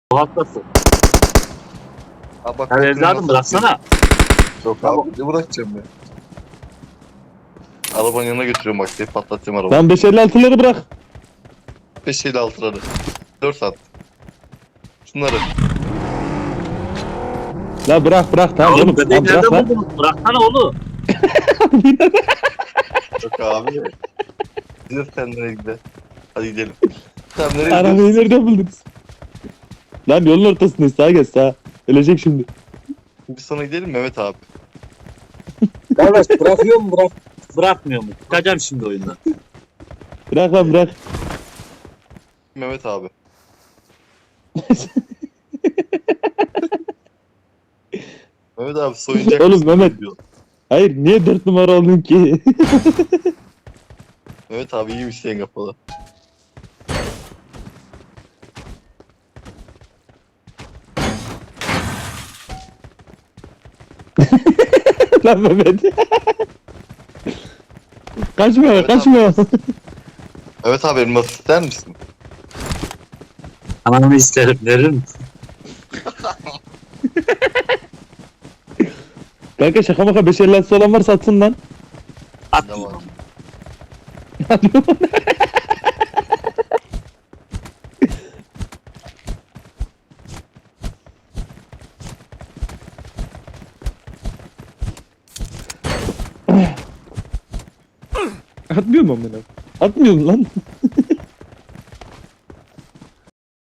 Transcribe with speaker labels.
Speaker 1: Haklısın.
Speaker 2: Abi bak.
Speaker 1: Ya evladım bıraksana.
Speaker 2: Yok abi ne bırakacağım ben? Arabanın yanına götürüyorum bak diye patlatacağım arabayı.
Speaker 3: Lan 556'ları bırak.
Speaker 2: 5 ile 6'ları. 4 saat. Şunları.
Speaker 3: La bırak bırak
Speaker 1: Ya
Speaker 3: tamam
Speaker 1: oğlum
Speaker 3: oğlum.
Speaker 1: bebeği
Speaker 3: Tamam bırak
Speaker 1: nereden
Speaker 3: lan.
Speaker 1: buldunuz? Bıraksana oğlum.
Speaker 2: Yok abi. Gidiyoruz kendine gidelim. Hadi gidelim. Tamam nereye
Speaker 3: Arabayı
Speaker 2: gidiyoruz?
Speaker 3: nereden buldunuz? Lan yolun ortasındayız, sağa geç sağa. Ölecek şimdi.
Speaker 2: Biz sana gidelim Mehmet abi.
Speaker 1: Kardeş bırakıyor mu bırakmıyor mu? Çıkacağım şimdi oyundan.
Speaker 3: Bırak lan bırak.
Speaker 2: Mehmet abi. Mehmet abi soyuncak
Speaker 3: Oğlum,
Speaker 2: mısın
Speaker 3: Mehmet.
Speaker 2: diyor.
Speaker 3: Hayır niye 4 numara oldun ki?
Speaker 2: Mehmet abi iyiymiş senin kafalı.
Speaker 3: Lan Mehmet. Kaçma
Speaker 2: Evet
Speaker 3: kaçma.
Speaker 2: Mehmet abi elmas ister misin?
Speaker 1: Anamı isterim verir misin?
Speaker 3: Kanka şaka maka 556'sı olan varsa atsın lan.
Speaker 1: At.
Speaker 2: Tamam.
Speaker 3: Atmıyor mu amına? Atmıyor mu lan?